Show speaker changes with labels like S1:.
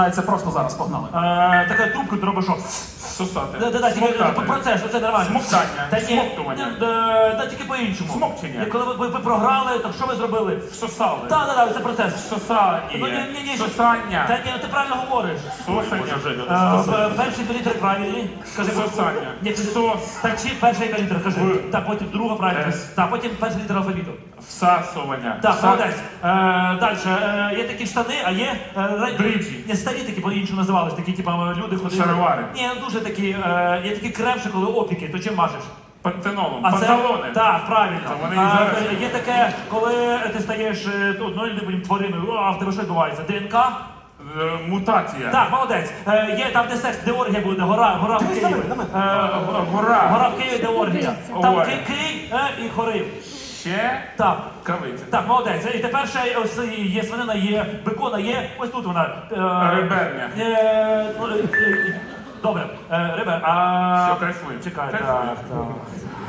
S1: Це просто зараз погнали.
S2: Така трубку ти робиш що?
S3: Сосати.
S2: Процес, це нормально.
S3: Смоктання.
S2: Та ні,
S3: Смоктування.
S2: та тільки по-іншому.
S3: Смокчення.
S2: Коли ви програли, то що ви зробили?
S3: Сосали.
S2: Так, це процес.
S3: Сосання. Сосання.
S2: Та ні, ти правильно говориш.
S3: Сосання.
S2: Перші дві літери правильні. Кажи
S3: Сосання.
S2: Ні,
S3: Сос.
S2: Так чи перша яка літера, кажи.
S3: В.
S2: Так, потім друга правильна.
S3: С.
S2: Так, потім перша літера алфавіту.
S3: Всасування.
S2: Так, молодець. Далі. Є такі штани, а є...
S3: Бриджі.
S2: Ні, старі такі по-іншому називались, такі, типу, люди ходили.
S3: Шаровари.
S2: Ні, дуже такі, є такі кремші, коли опіки, то чим мажеш?
S3: Пантенолом.
S2: А це,
S3: Панталони.
S2: так, правильно.
S3: Та вони і зараз.
S2: Є таке, коли ти стаєш одною твариною, а в тебе що відбувається? ДНК?
S3: Мутація.
S2: Так, молодець. Є там, де секс, де оргія буде, гора в Києві.
S3: Гора.
S2: Гора в Києві, де оргія. Там
S3: Ой.
S2: Кий і хорив.
S3: Ще
S2: Так.
S3: кавиця.
S2: Так, молодець. І тепер ще ось є свинина, є бекона, є ось тут вона.
S3: Реберня.
S2: Добре, ребер,
S3: Все, кайфуємо.
S2: Чекай,
S3: Кайфуємо.
S2: так.